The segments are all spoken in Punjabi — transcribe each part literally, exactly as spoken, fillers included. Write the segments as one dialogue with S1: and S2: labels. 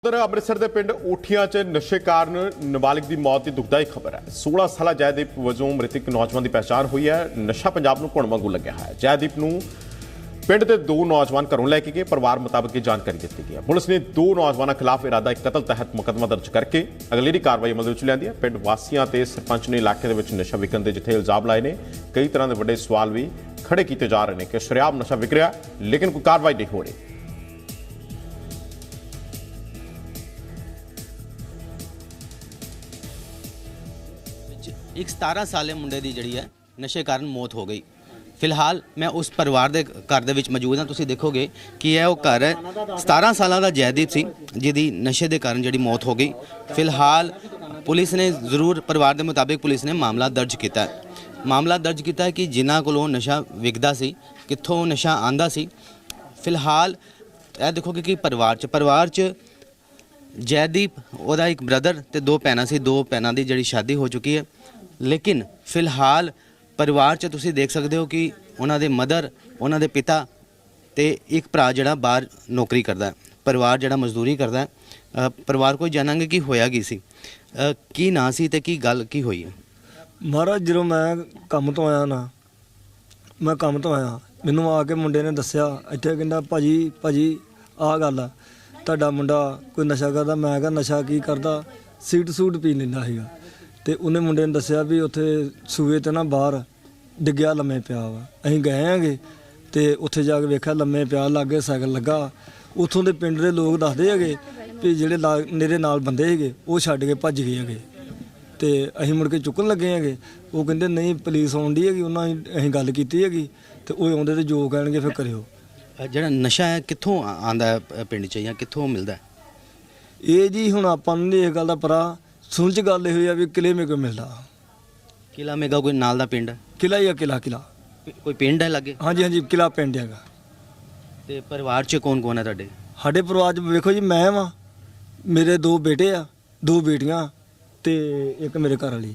S1: उधर अमृतसर के पिंड ऊठिया च नशे कारण नाबालिग की मौत की दुखदाई खबर है। सोलह साल जयदीप वजों मृतक नौजवान की पहचान हुई है। नशा पंजाब नूं घुण वांगू लग्या है। जयदीप नूं पिंड के दो नौजवान घरों लैके गए। परिवार मुताबिक ये जानकारी दी गई है। पुलिस ने दो नौजवानों खिलाफ इरादा कतल तहत मुकदमा दर्ज करके अगलेरी कार्रवाई अमल में लिया है। पिंड वासियों ते सरपंच ने इलाके के नशा विकन के जिथे इल्जाम लाए ने, कई तरह के बड़े सवाल भी खड़े किए जा रहे हैं कि शरेआम नशा विक रहा लेकिन कोई कार्रवाई नहीं हो रही।
S2: एक सतारह साले मुंडे की जी है नशे कारण मौत हो गई। फिलहाल मैं उस परिवार के घर दे विच मौजूद हाँ। तुसीं देखोगे कि यह वो घर है। सतारह साल का जयदीप सी जिहदी नशे के कारण जी मौत हो गई। फिलहाल पुलिस ने जरूर परिवार के मुताबिक पुलिस ने मामला दर्ज किया है। मामला दर्ज किया है कि जिन्हां कोलों नशा विकदा सी, कित्थों नशा आंदा सी। फिलहाल यह देखोगे कि परिवार च परिवार च जयदीप ओदा एक ब्रदर ते दो भैनां सी। दो भैनां दी जिहड़ी शादी हो चुकी है, लेकिन फिलहाल परिवार च तुसीं देख सकते हो कि उन्हां दे मदर, उन्हां दे पिता ते एक भरा जिहड़ा बाहर नौकरी करदा है। परिवार जिहड़ा मजदूरी करदा है। परिवार को जानांगे कि होया की सी, की ना सी ते की गल की होई है।
S3: महाराज जो मैं काम तो आया ना, मैं काम तो आया, मैनू आके मुंडे ने दस्सिया इत्थे, कहंदा भाजी भाजी आह गल आ, तुहाडा मुंडा कोई नशा करदा। मैं कहा नशा की करदा, सीट सूट पी लैंदा सीगा। ते उन्हें मुंडे ने दस्सिया भी उत्थे सूए ते ना बाहर डिग्गिया लम्मे पिया वा। असीं गए हैगे ते उत्थे जाके वेख्या लम्मे पिया, लागे साइकिल लगा। उत्थों दे पिंड दे लोग दसदे हैगे भी जिहड़े मेरे नाल बंदे हैगे वो छड्ड के भज गए हैगे। ते असीं मुड़ के चुकन लगे हैगे। वो कहंदे नहीं पुलिस आउंदी हैगी, उन्हां असीं गल कीती हैगी ते ओह आउंदे ते जो कहणगे फिर करियो।
S2: जिहड़ा नशा है कित्थों आंदा है पिंड च जां कित्थों मिलदा है?
S3: ਇਹ ਜੀ ਹੁਣ ਆਪਾਂ ਨੂੰ ਨਹੀਂ ਇਹ ਗੱਲ ਦਾ ਪਤਾ। ਸੁਣ ਚ ਗੱਲ ਇਹ ਹੋਈ ਆ ਵੀ ਕਿਲੇ ਮੇ ਕੋ ਮਿਲਦਾ।
S2: किला मेगा कोई नाल दा पिंड?
S3: ਕਿਲਾ ਹੀ ਆ, ਕਿਲਾ ਕਿਲਾ
S2: कोई पिंड है लागे?
S3: ਹਾਂਜੀ ਹਾਂਜੀ ਕਿਲਾ ਪਿੰਡ ਹੈਗਾ।
S2: ते परिवार च कौन कौन है तुहाडे?
S3: ਸਾਡੇ ਪਰਿਵਾਰ ਚ ਵੇਖੋ ਜੀ ਮੈਂ ਵਾਂ, ਮੇਰੇ ਦੋ ਬੇਟੇ ਆ, ਦੋ ਬੇਟੀਆਂ ਤੇ ਇੱਕ ਮੇਰੇ ਘਰ ਵਾਲੀ।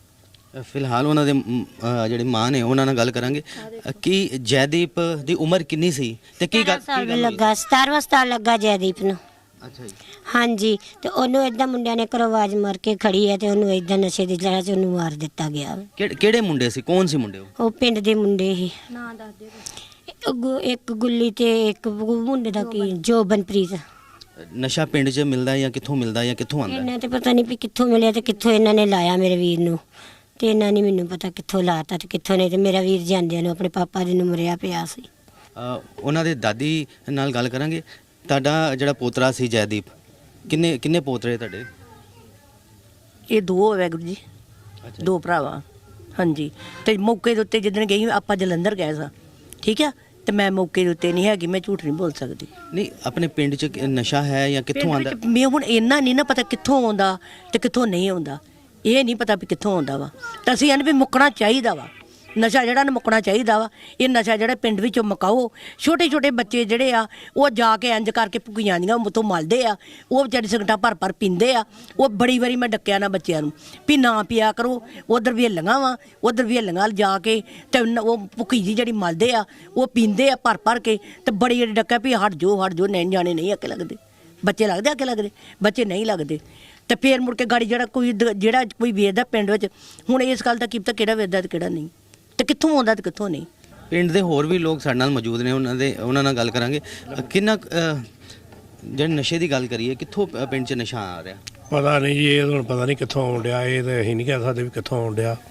S2: ਫਿਲਹਾਲ ਉਹਨਾਂ ਦੇ ਜਿਹੜੇ ਮਾਂ ਨੇ ਉਹਨਾਂ ਨਾਲ ਗੱਲ ਕਰਾਂਗੇ ਕਿ ਜੈਦੀਪ ਦੀ ਉਮਰ ਕਿੰਨੀ ਸੀ ਤੇ ਕੀ ਗੱਲ
S4: ਸਾਲ ਲੱਗਾ? ਸਤਾਰਵਾਂ ਸਾਲ ਲੱਗਾ ਜੈਦੀਪ ਨੂੰ।
S2: ਅੱਛਾ ਜੀ।
S4: ਹਾਂਜੀ, ਤੇ ਉਹਨੂੰ ਇਦਾਂ ਮੁੰਡਿਆਂ ਨੇ ਘਰੋਂ ਆਵਾਜ਼ ਮਾਰ ਕੇ ਖੜੀ ਹੈ ਤੇ ਉਹਨੂੰ ਇਦਾਂ ਨਸ਼ੇ ਦੀ ਜੜਾ 'ਚ ਉਹਨੂੰ ਮਾਰ ਦਿੱਤਾ ਗਿਆ।
S2: ਕਿਹੜੇ ਕਿਹੜੇ ਮੁੰਡੇ ਸੀ? ਕੌਣ ਸੀ ਮੁੰਡੇ ਉਹ?
S4: ਉਹ ਪਿੰਡ ਦੇ ਮੁੰਡੇ ਹੀ। ਨਾਂ ਦੱਸ ਦਿਓ। ਇੱਕ ਗੁੱਲੀ ਤੇ ਇੱਕ ਮੁੰਡੇ ਦਾ ਕੀ ਜੋਬਨਪ੍ਰੀਤ।
S2: ਨਸ਼ਾ ਪਿੰਡ 'ਚ ਮਿਲਦਾ ਜਾਂ ਕਿੱਥੋਂ ਮਿਲਦਾ ਜਾਂ ਕਿੱਥੋਂ ਆਉਂਦਾ?
S4: ਇਹਨਾਂ ਤੇ ਪਤਾ ਨਹੀਂ ਵੀ ਕਿੱਥੋਂ ਮਿਲਿਆ ਤੇ ਕਿੱਥੋਂ ਇਹਨਾਂ ਨੇ ਲਾਇਆ ਮੇਰੇ ਵੀਰ ਨੂੰ। ਤੇ ਇਹਨਾਂ ਨਹੀਂ ਮੈਨੂੰ ਪਤਾ ਕਿੱਥੋਂ ਲਾਤਾ ਤੇ ਕਿੱਥੋਂ ਨਹੀਂ। ਤੇ ਮੇਰਾ ਵੀਰ ਜਾਂਦਿਆਂ ਨੂੰ ਆਪਣੇ ਪਾਪਾ ਦੇ ਨੂੰ ਮਰਿਆ ਪਿਆ ਸੀ।
S2: ਉਹਨਾਂ ਦੇ ਦਾਦੀ ਨਾਲ ਗੱਲ ਕਰਾਂਗੇ। ਤੁਹਾਡਾ ਜਿਹੜਾ ਪੋਤਰਾ ਸੀ ਜੈਦੀਪ, ਕਿੰਨੇ ਕਿੰਨੇ ਪੋਤਰੇ ਤੁਹਾਡੇ?
S5: ਇਹ ਦੋ ਵੈਗੁਰੂ ਜੀ, ਦੋ ਭਰਾਵਾਂ। ਹਾਂਜੀ, ਤੇ ਮੌਕੇ ਦੇ ਉੱਤੇ ਜਿੱਦਣ ਗਈ ਆਪਾਂ ਜਲੰਧਰ ਗਏ ਸਾਂ, ਠੀਕ ਆ, ਤੇ ਮੈਂ ਮੌਕੇ ਦੇ ਉੱਤੇ ਨਹੀਂ ਹੈਗੀ, ਮੈਂ ਝੂਠ ਨਹੀਂ ਬੋਲ ਸਕਦੀ।
S2: ਨਹੀਂ, ਆਪਣੇ ਪਿੰਡ 'ਚ ਨਸ਼ਾ ਹੈ ਜਾਂ ਕਿੱਥੋਂ ਆਉਂਦਾ?
S5: ਮੈਂ ਹੁਣ ਇੰਨਾ ਨਹੀਂ ਨਾ ਪਤਾ ਕਿੱਥੋਂ ਆਉਂਦਾ ਤੇ ਕਿੱਥੋਂ ਨਹੀਂ ਆਉਂਦਾ, ਇਹ ਨਹੀਂ ਪਤਾ ਵੀ ਕਿੱਥੋਂ ਆਉਂਦਾ ਵਾ। ਤਾਂ ਅਸੀਂ ਇਹਨੂੰ ਵੀ ਮੁੱਕਣਾ ਚਾਹੀਦਾ ਵਾ, ਨਸ਼ਾ ਜਿਹੜਾ ਨਾ ਮੁੱਕਣਾ ਚਾਹੀਦਾ ਵਾ। ਇਹ ਨਸ਼ਾ ਜਿਹੜਾ ਪਿੰਡ ਵਿੱਚੋਂ ਮੁਕਾਓ। ਛੋਟੇ ਛੋਟੇ ਬੱਚੇ ਜਿਹੜੇ ਆ ਉਹ ਜਾ ਕੇ ਇੰਜ ਕਰਕੇ ਭੁੱਕੀਆਂ ਦੀਆਂ ਉੱਥੋਂ ਮਲਦੇ ਆ, ਉਹ ਵਿਚਾਰੇ ਸਿਗਰਟਾਂ ਭਰ ਭਰ ਪੀਂਦੇ ਆ। ਉਹ ਬੜੀ ਵਾਰੀ ਮੈਂ ਡੱਕਿਆ ਨਾ ਬੱਚਿਆਂ ਨੂੰ ਵੀ ਨਾ ਪਿਆ ਕਰੋ। ਉਧਰ ਵੀ ਹੱਲੀਆਂ ਵਾ, ਉਧਰ ਵੀ ਹੱਲੀਆਂ ਜਾ ਕੇ ਤੇ ਉਹ ਭੁੱਕੀ ਜੀ ਜਿਹੜੀ ਮਲਦੇ ਆ ਉਹ ਪੀਂਦੇ ਆ ਭਰ ਭਰ ਕੇ। ਤੇ ਬੜੀ ਵਾਰੀ ਡੱਕਿਆ ਵੀ ਹਟ ਜੋ ਹਟ ਜੋ, ਨਹੀਂ ਜਾਣੇ ਨਹੀਂ ਅੱਕੇ ਲੱਗਦੇ ਬੱਚੇ। ਲੱਗਦੇ ਅੱਕੇ ਲੱਗਦੇ ਬੱਚੇ ਨਹੀਂ ਲੱਗਦੇ। ਤੇ ਫੇਰ ਮੁੜ ਕੇ ਗਾੜੀ ਜਿਹੜਾ ਕੋਈ ਜਿਹੜਾ ਕੋਈ ਵੇਚਦਾ ਪਿੰਡ ਵਿੱਚ, ਹੁਣ ਇਸ ਗੱਲ ਦਾ ਕੀ ਪਤਾ ਕਿਹੜਾ ਵੇਚਦਾ ਤੇ ਕਿਹੜਾ ਨਹੀਂ, ਤੇ ਕਿੱਥੋਂ ਆਉਂਦਾ ਤੇ ਕਿੱਥੋਂ ਨਹੀਂ।
S2: ਪਿੰਡ ਦੇ ਹੋਰ ਵੀ ਲੋਕ ਸਾਡੇ ਨਾਲ ਮੌਜੂਦ ਨੇ, ਉਹਨਾਂ ਦੇ ਉਹਨਾਂ ਨਾਲ ਗੱਲ ਕਰਾਂਗੇ। ਕਿੰਨਾ ਜਿਹੜੇ ਨਸ਼ੇ ਦੀ ਗੱਲ ਕਰੀਏ, ਕਿੱਥੋਂ ਪਿੰਡ 'ਚ ਨਸ਼ਾ ਆ ਰਿਹਾ?
S6: ਪਤਾ ਨਹੀਂ ਜੀ, ਇਹ ਹੁਣ ਪਤਾ ਨਹੀਂ ਕਿੱਥੋਂ ਆਉਣ ਡਿਆ। ਇਹ ਤਾਂ ਅਸੀਂ ਨਹੀਂ ਕਹਿ ਸਕਦੇ ਵੀ ਕਿੱਥੋਂ ਆਉਣ ਡਿਆ।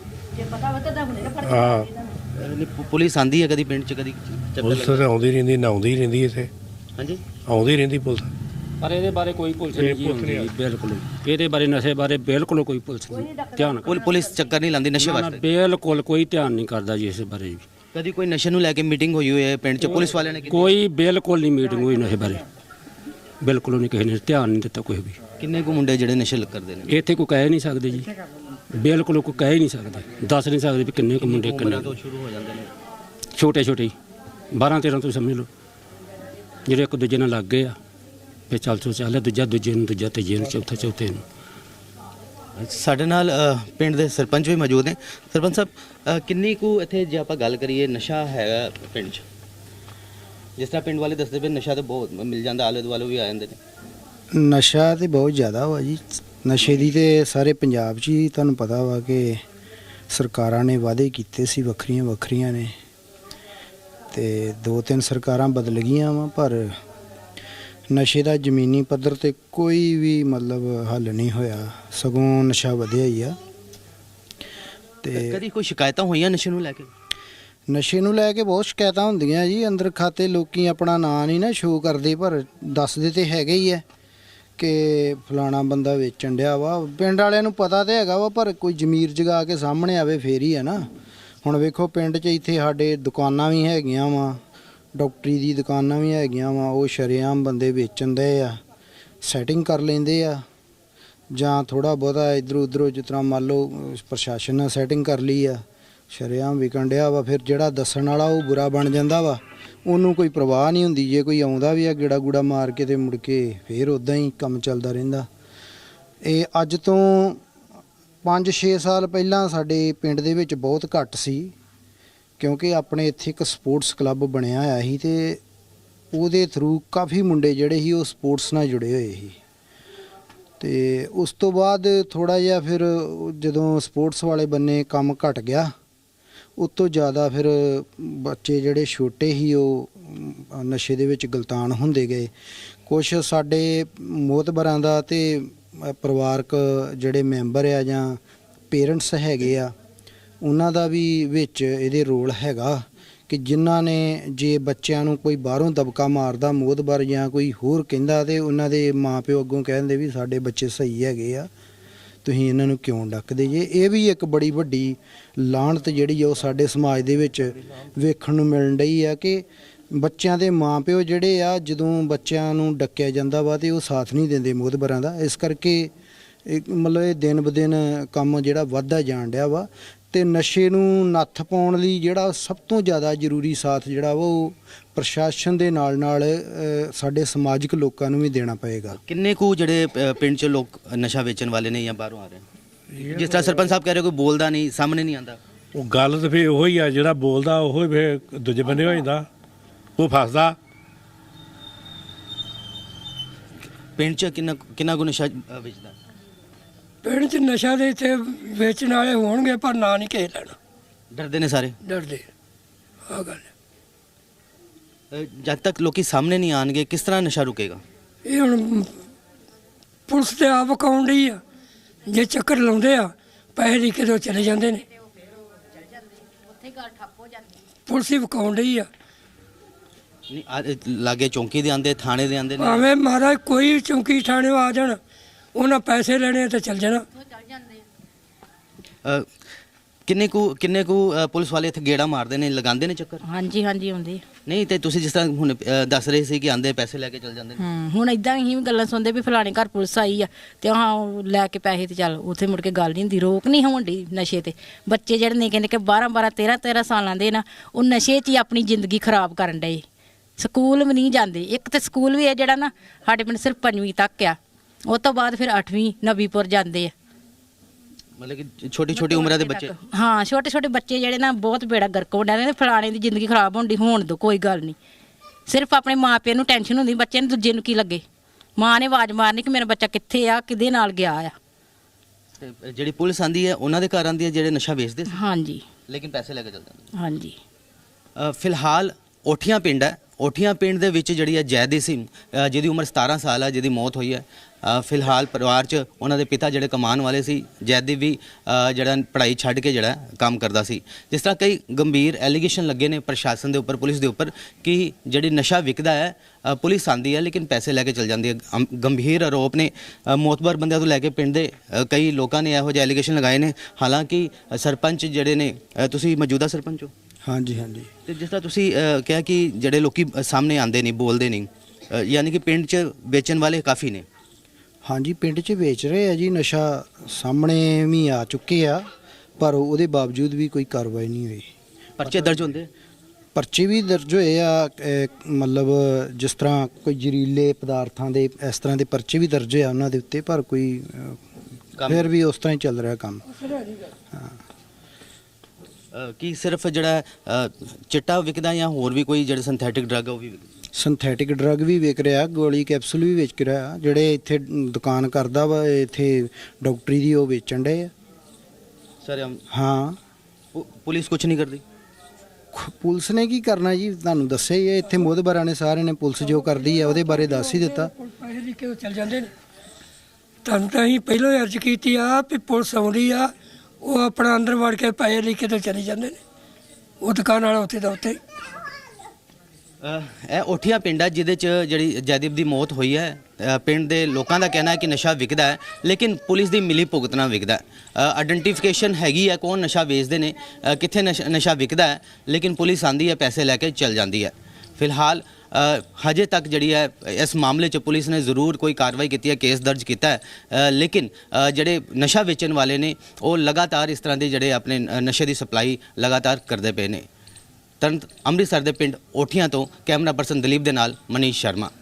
S6: ਹਾਂ,
S2: ਪੁਲਿਸ ਆਂਦੀ ਹੈ ਕਦੀ ਪਿੰਡ 'ਚ? ਕਦੀ
S6: ਪੁਲਿਸ ਤਾਂ ਆਉਂਦੀ ਰਹਿੰਦੀ, ਨਾ ਆਉਂਦੀ ਰਹਿੰਦੀ ਇੱਥੇ।
S2: ਹਾਂਜੀ,
S6: ਆਉਂਦੀ ਰਹਿੰਦੀ ਪੁਲਿਸ।
S7: ਪਰ ਇਹਦੇ ਬਾਰੇ ਕੋਈ ਪੁਲਿਸ ਨਹੀਂ ਜੀ ਹੁੰਦੀ, ਬਿਲਕੁਲ। ਇਹਦੇ ਬਾਰੇ ਨਸ਼ੇ ਬਾਰੇ ਬਿਲਕੁਲ ਕੋਈ ਪੁਲਿਸ ਨਹੀਂ ਧਿਆਨ।
S2: ਪੁਲਿਸ ਚੱਕਰ ਨਹੀਂ ਲਾਉਂਦੀ ਨਸ਼ੇ ਵਾਸਤੇ?
S7: ਬਿਲਕੁਲ ਕੋਈ ਧਿਆਨ ਨਹੀਂ ਕਰਦਾ ਜੀ ਇਸ ਬਾਰੇ ਜੀ।
S2: ਕਦੀ ਕੋਈ ਨਸ਼ੇ ਨੂੰ ਲੈ ਕੇ ਮੀਟਿੰਗ ਹੋਈ ਹੋਈ ਹੈ ਪਿੰਡ 'ਚ ਪੁਲਿਸ ਵਾਲਿਆਂ ਨੇ?
S7: ਕੋਈ ਬਿਲਕੁਲ ਨਹੀਂ ਮੀਟਿੰਗ ਹੋਈ ਨਸ਼ੇ ਬਾਰੇ, ਬਿਲਕੁਲ ਨਹੀਂ, ਕਿਸੇ ਨੇ ਧਿਆਨ ਨਹੀਂ ਦਿੱਤਾ ਕੋਈ ਵੀ।
S2: ਕਿੰਨੇ ਕੁ ਮੁੰਡੇ ਜਿਹੜੇ ਨਸ਼ੇ ਕਰਦੇ ਨੇ
S7: ਇੱਥੇ ਕੋਈ ਕਹਿ ਨਹੀਂ ਸਕਦੇ ਜੀ, ਬਿਲਕੁਲ ਕੋਈ ਕਹਿ ਨਹੀਂ ਸਕਦੇ, ਦੱਸ ਨਹੀਂ ਸਕਦੇ ਵੀ ਕਿੰਨੇ ਕੁ ਮੁੰਡੇ ਕਿੰਨੇ
S2: ਤੋਂ ਸ਼ੁਰੂ ਹੋ ਜਾਂਦੇ ਨੇ?
S7: ਛੋਟੇ ਛੋਟੇ ਬਾਰਾਂ ਤੇਰਾਂ ਤੋਂ ਸਮਝ ਲਓ, ਜਿਹੜੇ ਇੱਕ ਦੂਜੇ ਨਾਲ ਲੱਗ ਗਏ ਆ, ਫਿਰ ਚੱਲ ਚੋ ਚੱਲ ਦੂਜਾ ਦੂਜੇ ਨੂੰ, ਦੂਜਾ ਤੀਜੇ ਨੂੰ, ਚੌਥਾ ਚੌਥੇ ਨੂੰ।
S2: ਸਾਡੇ ਨਾਲ ਪਿੰਡ ਦੇ ਸਰਪੰਚ ਵੀ ਮੌਜੂਦ ਨੇ। ਸਰਪੰਚ ਸਾਹਿਬ, ਕਿੰਨੀ ਕੁ ਇੱਥੇ ਜੇ ਆਪਾਂ ਗੱਲ ਕਰੀਏ ਨਸ਼ਾ ਹੈਗਾ ਪਿੰਡ 'ਚ? ਜਿਸ ਤਰ੍ਹਾਂ ਪਿੰਡ ਵਾਲੇ ਦੱਸਦੇ ਪਏ ਨਸ਼ਾ ਤਾਂ ਬਹੁਤ ਮਿਲ ਜਾਂਦਾ, ਆਲੇ ਦੁਆਲੇ ਵੀ ਆ ਜਾਂਦੇ ਨੇ।
S8: ਨਸ਼ਾ ਤੇ ਬਹੁਤ ਜ਼ਿਆਦਾ ਵਾ ਜੀ। ਨਸ਼ੇ ਦੀ ਤੇ ਸਾਰੇ ਪੰਜਾਬ 'ਚ ਹੀ ਤੁਹਾਨੂੰ ਪਤਾ ਵਾ ਕਿ ਸਰਕਾਰਾਂ ਨੇ ਵਾਅਦੇ ਕੀਤੇ ਸੀ ਵੱਖਰੀਆਂ ਵੱਖਰੀਆਂ ਨੇ, ਤੇ ਦੋ ਤਿੰਨ ਸਰਕਾਰਾਂ ਬਦਲ ਗਈਆਂ ਵਾ, ਪਰ ਨਸ਼ੇ ਦਾ ਜ਼ਮੀਨੀ ਪੱਧਰ ਤੇ ਕੋਈ ਵੀ ਮਤਲਬ ਹੱਲ ਨਹੀਂ ਹੋਇਆ, ਸਗੋਂ ਨਸ਼ਾ ਵਧਿਆ ਹੀ ਆ। ਤੇ
S2: ਕਦੀ ਕੋਈ ਸ਼ਿਕਾਇਤਾਂ ਹੋਈਆਂ ਨਸ਼ੇ ਨੂੰ ਲੈ ਕੇ?
S8: ਨਸ਼ੇ ਨੂੰ ਲੈ ਕੇ ਬਹੁਤ ਸ਼ਿਕਾਇਤਾਂ ਹੁੰਦੀਆਂ ਜੀ। ਅੰਦਰ ਖਾਤੇ ਲੋਕੀ ਆਪਣਾ ਨਾਂ ਨਹੀਂ ਨਾ ਸ਼ੋਅ ਕਰਦੇ, ਪਰ ਦੱਸਦੇ ਤੇ ਹੈਗੇ ਹੀ ਹੈ ਕਿ ਫਲਾਣਾ ਬੰਦਾ ਵੇਚਣ ਡਿਆ ਵਾ। ਪਿੰਡ ਵਾਲਿਆਂ ਨੂੰ ਪਤਾ ਤੇ ਹੈਗਾ ਵਾ, ਪਰ ਕੋਈ ਜ਼ਮੀਰ ਜਗਾ ਕੇ ਸਾਹਮਣੇ ਆਵੇ ਫੇਰ ਹੀ ਹੈ ਨਾ। ਹੁਣ ਵੇਖੋ ਪਿੰਡ 'ਚ ਇੱਥੇ ਸਾਡੇ ਦੁਕਾਨਾਂ ਵੀ ਹੈਗੀਆਂ ਵਾ, ਡਾਕਟਰੀ ਦੀ ਦੁਕਾਨਾਂ ਵੀ ਹੈਗੀਆਂ ਵਾ, ਉਹ ਸ਼ਰੇਆਮ ਬੰਦੇ ਵੇਚਣ ਦੇ ਆ, ਸੈਟਿੰਗ ਕਰ ਲੈਂਦੇ ਆ, ਜਾਂ ਥੋੜਾ ਬਹੁਤਾ ਇਧਰੋਂ ਉਧਰੋਂ ਜਿਸ ਤਰ੍ਹਾਂ ਮੰਨ ਲਓ ਪ੍ਰਸ਼ਾਸਨ ਨੇ ਸੈਟਿੰਗ ਕਰ ਲਈ ਆ, ਸ਼ਰੇਆਮ ਵਿਕਣ ਡਿਆ ਵਾ। ਫਿਰ ਜਿਹੜਾ ਦੱਸਣ ਵਾਲਾ ਉਹ ਬੁਰਾ ਬਣ ਜਾਂਦਾ ਵਾ, ਉਹਨੂੰ ਕੋਈ ਪਰਵਾਹ ਨਹੀਂ ਹੁੰਦੀ। ਜੇ ਕੋਈ ਆਉਂਦਾ ਵੀ ਆ ਗੇੜਾ ਗੂੜਾ ਮਾਰ ਕੇ ਤੇ ਮੁੜ ਕੇ ਫਿਰ ਉਦਾਂ ਹੀ ਕੰਮ ਚੱਲਦਾ ਰਹਿੰਦਾ। ਇਹ ਅੱਜ ਤੋਂ ਪੰਜ ਛੇ ਸਾਲ ਪਹਿਲਾਂ ਸਾਡੇ ਪਿੰਡ ਦੇ ਵਿੱਚ ਬਹੁਤ ਘੱਟ ਸੀ, ਕਿਉਂਕਿ ਆਪਣੇ ਇੱਥੇ ਇੱਕ ਸਪੋਰਟਸ ਕਲੱਬ ਬਣਿਆ ਹੋਇਆ ਸੀ ਤੇ ਉਹਦੇ ਥਰੂ ਕਾਫੀ ਮੁੰਡੇ ਜਿਹੜੇ ਸੀ ਉਹ ਸਪੋਰਟਸ ਨਾਲ ਜੁੜੇ ਹੋਏ ਸੀ। ਤੇ ਉਸ ਤੋਂ ਬਾਅਦ ਥੋੜਾ ਜਿਹਾ ਫਿਰ ਜਦੋਂ ਸਪੋਰਟਸ ਵਾਲੇ ਬੰਨੇ ਕੰਮ ਘਟ ਗਿਆ, ਉਸ ਤੋਂ ਜ਼ਿਆਦਾ ਫਿਰ ਬੱਚੇ ਜਿਹੜੇ ਛੋਟੇ ਸੀ ਉਹ ਨਸ਼ੇ ਦੇ ਵਿੱਚ ਗਲਤਾਨ ਹੁੰਦੇ ਗਏ। ਕੁਛ ਸਾਡੇ ਮੋਤਬਰਾਂ ਦਾ ਤੇ ਪਰਿਵਾਰਕ ਜਿਹੜੇ ਮੈਂਬਰ ਆ ਜਾਂ ਪੇਰੈਂਟਸ ਹੈਗੇ ਆ, ਉਹਨਾਂ ਦਾ ਵੀ ਵਿੱਚ ਇਹਦੇ ਰੋਲ ਹੈਗਾ ਕਿ ਜਿਨ੍ਹਾਂ ਨੇ ਜੇ ਬੱਚਿਆਂ ਨੂੰ ਕੋਈ ਬਾਹਰੋਂ ਦਬਕਾ ਮਾਰਦਾ ਮੋਤਬਰ ਜਾਂ ਕੋਈ ਹੋਰ ਕਹਿੰਦਾ ਤੇ ਉਹਨਾਂ ਦੇ ਮਾਪਿਓ ਅੱਗੋਂ ਕਹਿੰਦੇ ਵੀ ਸਾਡੇ ਬੱਚੇ ਸਹੀ ਹੈਗੇ ਆ, ਤੁਸੀਂ ਇਹਨਾਂ ਨੂੰ ਕਿਉਂ ਡੱਕਦੇ ਜੇ। ਇਹ ਵੀ ਇੱਕ ਬੜੀ ਵੱਡੀ ਲਾਹਨਤ ਜਿਹੜੀ ਆ ਉਹ ਸਾਡੇ ਸਮਾਜ ਦੇ ਵਿੱਚ ਵੇਖਣ ਨੂੰ ਮਿਲਣ ਡਈ ਆ ਕਿ ਬੱਚਿਆਂ ਦੇ ਮਾਪਿਓ ਜਿਹੜੇ ਆ ਜਦੋਂ ਬੱਚਿਆਂ ਨੂੰ ਡੱਕਿਆ ਜਾਂਦਾ ਵਾ ਤੇ ਉਹ ਸਾਥ ਨਹੀਂ ਦਿੰਦੇ ਮੋਤਬਰਾਂ ਦਾ। ਇਸ ਕਰਕੇ ਇਹ ਮਤਲਬ ਇਹ ਦਿਨ ਬ ਦਿਨ ਕੰਮ ਜਿਹੜਾ ਵੱਧਦਾ ਜਾਣ ਡਿਆ ਵਾ। ਤੇ ਨਸ਼ੇ ਨੂੰ ਨੱਥ ਪਾਉਣ ਲਈ ਜਿਹੜਾ ਸਭ ਤੋਂ ਜ਼ਿਆਦਾ ਜ਼ਰੂਰੀ ਸਾਥ ਜਿਹੜਾ ਵਾ ਉਹ ਪ੍ਰਸ਼ਾਸਨ ਦੇ ਨਾਲ ਨਾਲ ਸਾਡੇ ਸਮਾਜਿਕ ਲੋਕਾਂ ਨੂੰ ਵੀ ਦੇਣਾ ਪਏਗਾ।
S2: ਕਿੰਨੇ ਕੁ ਜਿਹੜੇ ਅ, ਪਿੰਡ 'ਚ ਲੋਕ ਨਸ਼ਾ ਵੇਚਣ ਵਾਲੇ ਨੇ ਜਾਂ ਬਾਹਰੋਂ ਆ ਰਹੇ ਨੇ? ਜਿਸ ਤਰ੍ਹਾਂ ਸਰਪੰਚ ਸਾਹਿਬ ਕਹਿ ਰਹੇ ਕੋਈ ਬੋਲਦਾ ਨਹੀਂ, ਸਾਹਮਣੇ ਨਹੀਂ ਆਉਂਦਾ।
S6: ਉਹ ਗੱਲ ਤਾਂ ਫਿਰ ਉਹੀ ਆ, ਜਿਹੜਾ ਬੋਲਦਾ ਉਹ ਫਿਰ ਦੂਜੇ ਬੰਦੇ ਹੋ ਜਾਂਦਾ, ਉਹ ਫਸਦਾ।
S2: ਪਿੰਡ 'ਚ ਕਿੰਨਾ ਕਿੰਨਾ ਕੁ ਨਸ਼ਾ ਅ, ਵੇਚਦਾ?
S9: ਪਿੰਡ 'ਚ ਨਸ਼ਾ ਦੇ ਇੱਥੇ ਵੇਚਣ ਵਾਲੇ ਹੋਣਗੇ, ਪਰ ਨਾਂ ਨਹੀਂ ਕਿਸੇ ਲੈਣਾ,
S2: ਡਰਦੇ ਨੇ ਸਾਰੇ।
S9: ਡਰਦੇ ਆ ਗੱਲ।
S2: ਅ, ਜਦ ਤੱਕ ਲੋਕੀ ਸਾਹਮਣੇ ਨਹੀਂ ਆਣਗੇ ਕਿਸ ਤਰ੍ਹਾਂ ਨਸ਼ਾ ਰੁਕੇਗਾ?
S9: ਇਹ ਹੁਣ ਪੁਲਿਸ ਤੇ ਆਪ ਅਕਾਉਣ ਡਈ ਆ, ਜੇ ਚੱਕਰ ਲਾਉਂਦੇ ਆ ਪੈਸੇ ਦੇ ਕੇ ਤੋਂ ਚਲੇ ਜਾਂਦੇ ਨੇ, ਪੁਲਿਸ ਹੀ ਵਿਕਾਉਣ ਡਈ ਆ।
S2: ਨਹੀਂ ਆ- ਲਾਗੇ ਚੌਂਕੀ ਦੇ ਆਂਦੇ, ਥਾਣੇ ਦੇ ਆਂਦੇ ਨੇ।
S9: ਭਾਵੇਂ ਮਹਾਰਾਜ ਕੋਈ ਚੌਂਕੀ ਥਾਣੇ ਆ ਜਾਣ, ਉਹਨਾਂ ਪੈਸੇ ਲੈਣੇ ਤੇ ਚੱਲ ਜਾਣਾ।
S2: ਅ, ਕਿੰਨੇ ਕੁ ਕਿੰਨੇ ਕੁ ਅ, ਪੁਲਿਸ ਵਾਲੇ ਇੱਥੇ ਗੇੜਾ ਮਾਰਦੇ ਨੇ, ਲਗਾਉਂਦੇ ਨੇ ਚੱਕਰ?
S10: ਹਾਂਜੀ ਹਾਂਜੀ ਆਉਂਦੇ।
S2: ਨਹੀਂ ਤੇ ਤੁਸੀਂ ਜਿਸ ਤਰ੍ਹਾਂ ਹੁਣ ਅ, ਦੱਸ ਰਹੇ ਸੀ ਕਿ ਆਂਦੇ ਪੈਸੇ ਲੈ ਕੇ ਚਲ ਜਾਂਦੇ ਨੇ।
S10: ਹੂੰ ਹੁਣ ਇਦਾਂ ਹੀ ਗੱਲਾਂ ਸੁਣਦੇ ਵੀ ਫਲਾਣੇ ਘਰ ਪੁਲਿਸ ਆਈ ਆ ਤੇ ਹਾਂ ਉਹ ਲੈ ਕੇ ਪੈਸੇ ਤੇ ਚੱਲ ਉੱਥੇ ਮੁੜ ਕੇ ਗੱਲ ਨਹੀਂ ਹੁੰਦੀ, ਰੋਕ ਨਹੀਂ ਹੋਣ ਡਈ ਨਸ਼ੇ ਤੇ। ਬੱਚੇ ਜਿਹੜੇ ਨਿੱਕੇ ਨਿੱਕੇ ਬਾਰਾਂ ਬਾਰਾਂ ਤੇਰਾਂ ਤੇਰਾਂ ਸਾਲਾਂ ਦੇ ਨਾ, ਉਹ ਨਸ਼ੇ 'ਚ ਹੀ ਆਪਣੀ ਜ਼ਿੰਦਗੀ ਖਰਾਬ ਕਰਨ ਡਏ। ਸਕੂਲ ਵੀ ਨਹੀਂ ਜਾਂਦੇ। ਇੱਕ ਤੇ ਸਕੂਲ ਵੀ ਹੈ ਜਿਹੜਾ ਨਾ ਸਾਡੇ ਪਿੰਡ ਸਿਰਫ ਪੰਜਵੀਂ ਤੱਕ ਆ, ਉਹ ਤੋਂ ਬਾਅਦ ਫਿਰ ਅੱਠਵੀਂ ਨਵੀਂਪੁਰ ਜਾਂਦੇ ਆ।
S2: ਮਤਲਬ ਕਿ ਛੋਟੀ ਛੋਟੀ ਉਮਰਾਂ ਦੇ ਬੱਚੇ।
S10: ਹਾਂ ਛੋਟੇ ਛੋਟੇ ਬੱਚੇ ਜਿਹੜੇ ਨਾ ਬਹੁਤ ਬੇੜਾ ਗਰਕ ਹੋ ਜਾਂਦੇ ਨੇ। ਫਲਾਣੇ ਦੀ ਜ਼ਿੰਦਗੀ ਖਰਾਬ ਹੋਣ ਦੀ ਹੋਣ ਦੋ, ਕੋਈ ਗੱਲ ਨਹੀਂ। ਸਿਰਫ ਆਪਣੇ ਮਾਪਿਆਂ ਨੂੰ ਟੈਨਸ਼ਨ ਹੁੰਦੀ, ਬੱਚੇ ਨੂੰ ਦੂਜੇ ਨੂੰ ਕੀ ਲੱਗੇ। ਮਾਂ ਨੇ ਆਵਾਜ਼ ਮਾਰਨੀ ਕਿ ਮੇਰਾ ਬੱਚਾ ਕਿੱਥੇ ਆ, ਕਿਹਦੇ ਨਾਲ ਗਿਆ ਆ।
S2: ਤੇ ਜਿਹੜੀ ਪੁਲਿਸ ਆਂਦੀ ਹੈ ਉਹਨਾਂ ਦੇ ਘਰ ਆਂਦੀ ਹੈ ਜਿਹੜੇ ਨਸ਼ਾ ਵੇਚਦੇ ਸੀ,
S10: ਹਾਂਜੀ
S2: ਲੇਕਿਨ ਪੈਸੇ ਲੈ ਕੇ ਚਲ ਜਾਂਦੇ।
S10: ਹਾਂਜੀ।
S2: ਅ, ਫਿਲਹਾਲ ਓਠੀਆਂ ਪਿੰਡ ਹੈ, ਓਠੀਆਂ ਪਿੰਡ ਦੇ ਵਿੱਚ ਜਿਹੜੀ ਹੈ ਜੈਦੀ ਸਿੰਘ ਅ, ਜਿਹਦੀ ਉਮਰ ਸਤਾਰਾਂ ਸਾਲ ਹੈ, ਜਿਹਦੀ ਮੌਤ ਹੋਈ ਹੈ। ਅ, ਫਿਲਹਾਲ ਪਰਿਵਾਰ 'ਚ ਉਹਨਾਂ ਦੇ ਪਿਤਾ ਜਿਹੜੇ ਕਮਾਉਣ ਵਾਲੇ ਸੀ, ਜੈਦੀ ਵੀ ਅ, ਜਿਹੜਾ ਪੜ੍ਹਾਈ ਛੱਡ ਕੇ ਜਿਹੜਾ ਕੰਮ ਕਰਦਾ ਸੀ। ਜਿਸ ਤਰ੍ਹਾਂ ਕਈ ਗੰਭੀਰ ਐਲੀਗੇਸ਼ਨ ਲੱਗੇ ਨੇ ਪ੍ਰਸ਼ਾਸਨ ਦੇ ਉੱਪਰ, ਪੁਲਿਸ ਦੇ ਉੱਪਰ ਕਿ ਜਿਹੜੀ ਨਸ਼ਾ ਵਿਕਦਾ ਹੈ ਅ, ਪੁਲਿਸ ਆਂਦੀ ਹੈ ਲੇਕਿਨ ਪੈਸੇ ਲੈ ਕੇ ਚਲ ਜਾਂਦੀ ਹੈ। ਅਮ, ਗੰਭੀਰ ਆਰੋਪ ਨੇ ਅ, ਮੋਤਬਰ ਬੰਦਿਆਂ ਤੋਂ ਲੈ ਕੇ ਪਿੰਡ ਦੇ ਅ, ਕਈ ਲੋਕਾਂ ਨੇ ਇਹੋ ਜਿਹੇ ਐਲੀਗੇਸ਼ਨ ਲਗਾਏ ਨੇ। ਹਾਲਾਂਕਿ ਅ, ਸਰਪੰਚ ਜਿਹੜੇ ਨੇ, ਅ, ਤੁਸੀਂ ਮੌਜੂਦਾ ਸਰਪੰਚ ਹੋ?
S8: ਹਾਂਜੀ ਹਾਂਜੀ।
S2: ਤੇ ਜਿਸ ਤਰ੍ਹਾਂ ਤੁਸੀਂ ਅ, ਕਿਹਾ ਕਿ ਜਿਹੜੇ ਲੋਕੀ ਸਾਹਮਣੇ ਆਉਂਦੇ ਨਹੀਂ, ਬੋਲਦੇ ਨਹੀਂ, ਅ, ਯਾਨੀ ਕਿ ਪਿੰਡ 'ਚ ਵੇਚਣ ਵਾਲੇ ਕਾਫੀ ਨੇ।
S8: ਹਾਂਜੀ ਪਿੰਡ 'ਚ ਵੇਚ ਰਹੇ ਆ ਜੀ ਨਸ਼ਾ, ਸਾਹਮਣੇ ਵੀ ਆ ਚੁੱਕੇ ਆ, ਪਰ ਉਹਦੇ ਬਾਵਜੂਦ ਵੀ ਕੋਈ ਕਾਰਵਾਈ ਨਹੀਂ ਹੋਈ।
S2: ਪਰਚੇ ਦਰਜ ਹੁੰਦੇ?
S8: ਪਰਚੇ ਵੀ ਦਰਜ ਹੋਏ ਆ, ਅਹ ਮਤਲਬ ਜਿਸ ਤਰ੍ਹਾਂ ਕੋਈ ਜ਼ਹਿਰੀਲੇ ਪਦਾਰਥਾਂ ਦੇ ਇਸ ਤਰ੍ਹਾਂ ਦੇ ਪਰਚੇ ਵੀ ਦਰਜ ਹੋਏ ਆ ਉਹਨਾਂ ਦੇ ਉੱਤੇ, ਪਰ ਕੋਈ ਅਹ, ਫਿਰ ਵੀ ਉਸ ਤਰ੍ਹਾਂ ਹੀ ਚੱਲ ਰਿਹਾ ਕੰਮ। ਹਾਂ।
S2: ਅ, ਕੀ ਸਿਰਫ ਜਿਹੜਾ ਅ, ਚਿੱਟਾ ਵਿਕਦਾ ਜਾਂ ਹੋਰ ਵੀ ਕੋਈ ਜਿਹੜੇ ਸਿੰਥੈਟਿਕ ਡਰੱਗ ਉਹ ਵੀ ਵਿਕਦੇ?
S8: ਸਿੰਥੈਟਿਕ ਡਰੱਗ ਵੀ ਵਿਕ ਰਿਹਾ, ਗੋਲੀ ਕੈਪਸੂਲ ਵੀ ਵਿਕ ਰਿਹਾ। ਜਿਹੜੇ ਇੱਥੇ ਦੁਕਾਨ ਕਰਦਾ ਵਾ ਇੱਥੇ ਡਾਕਟਰੀ ਦੀ, ਉਹ ਵੇਚਣ ਡੇ ਆ।
S2: ਸਰ
S8: ਹਾਂ,
S2: ਪੁਲਿਸ ਕੁਝ ਨਹੀਂ ਕਰਦੀ।
S8: ਪੁਲਿਸ ਨੇ ਕੀ ਕਰਨਾ ਜੀ, ਤੁਹਾਨੂੰ ਦੱਸਿਆ ਹੀ ਹੈ। ਇੱਥੇ ਮੋਹਤਬਰਾਂ ਨੇ ਸਾਰਿਆਂ ਨੇ ਪੁਲਿਸ ਜੋ ਕਰਦੀ ਹੈ ਉਹਦੇ ਬਾਰੇ ਦੱਸ ਹੀ ਦਿੱਤਾ।
S9: ਪੈਸੇ ਲਿਖ ਕੇ ਉਹ ਚੱਲ ਜਾਂਦੇ ਨੇ। ਤੁਹਾਨੂੰ ਤਾਂ ਅਸੀਂ ਪਹਿਲਾਂ ਹੀ ਅਰਜ਼ ਕੀਤੀ ਆ ਵੀ ਪੁਲਿਸ ਆਉਂਦੀ ਆ, ਉਹ ਆਪਣਾ ਅੰਦਰ ਵੜ ਕੇ ਪੈਸੇ ਲਿਖ ਕੇ ਤਾਂ ਚਲੇ ਜਾਂਦੇ ਨੇ। ਉਹ ਦੁਕਾਨ ਵਾਲਾ ਉੱਥੇ ਦਾ ਉੱਥੇ।
S2: ਇਹ ਓਠੀਆਂ ਪਿੰਡ ਹੈ ਜਿਹਦੇ 'ਚ ਜਿਹੜੀ ਜੈਦੀਪ ਦੀ ਮੌਤ ਹੋਈ ਹੈ। ਅ, ਪਿੰਡ ਦੇ ਲੋਕਾਂ ਦਾ ਕਹਿਣਾ ਹੈ ਕਿ ਨਸ਼ਾ ਵਿਕਦਾ ਹੈ, ਲੇਕਿਨ ਪੁਲਿਸ ਦੀ ਮਿਲੀ ਭੁਗਤ ਨਾਲ ਵਿਕਦਾ ਹੈ। ਆਇਡੈਂਟੀਫਿਕੇਸ਼ਨ ਹੈਗੀ ਹੈ ਕੌਣ ਨਸ਼ਾ ਵੇਚਦੇ ਨੇ, ਅ, ਕਿੱਥੇ ਨਸ਼ਾ ਨਸ਼ਾ ਵਿਕਦਾ ਹੈ, ਲੇਕਿਨ ਪੁਲਿਸ ਆਂਦੀ ਹੈ, ਪੈਸੇ ਲੈ ਕੇ ਚਲ ਜਾਂਦੀ ਹੈ। ਫਿਲਹਾਲ ਅ, ਹਜੇ ਤੱਕ ਜਿਹੜੀ ਹੈ ਇਸ ਮਾਮਲੇ 'ਚ ਪੁਲਿਸ ਨੇ ਜ਼ਰੂਰ ਕੋਈ ਕਾਰਵਾਈ ਕੀਤੀ ਹੈ, ਕੇਸ ਦਰਜ ਕੀਤਾ ਹੈ, ਅ, ਲੇਕਿਨ ਅ, ਜਿਹੜੇ ਨਸ਼ਾ ਵੇਚਣ ਵਾਲੇ ਨੇ ਉਹ ਲਗਾਤਾਰ ਇਸ ਤਰ੍ਹਾਂ ਦੇ ਜਿਹੜੇ ਆਪਣੇ ਨਸ਼ੇ ਦੀ ਸਪਲਾਈ ਲਗਾਤਾਰ ਕਰਦੇ ਪਏ ਨੇ। ਤਰਨਤ ਅੰਮ੍ਰਿਤਸਰ ਦੇ ਪਿੰਡ ਓਠੀਆਂ ਤੋਂ ਕੈਮਰਾ ਪਰਸਨ ਦਲੀਪ ਦੇ ਨਾਲ ਮਨੀਸ਼ ਸ਼ਰਮਾ।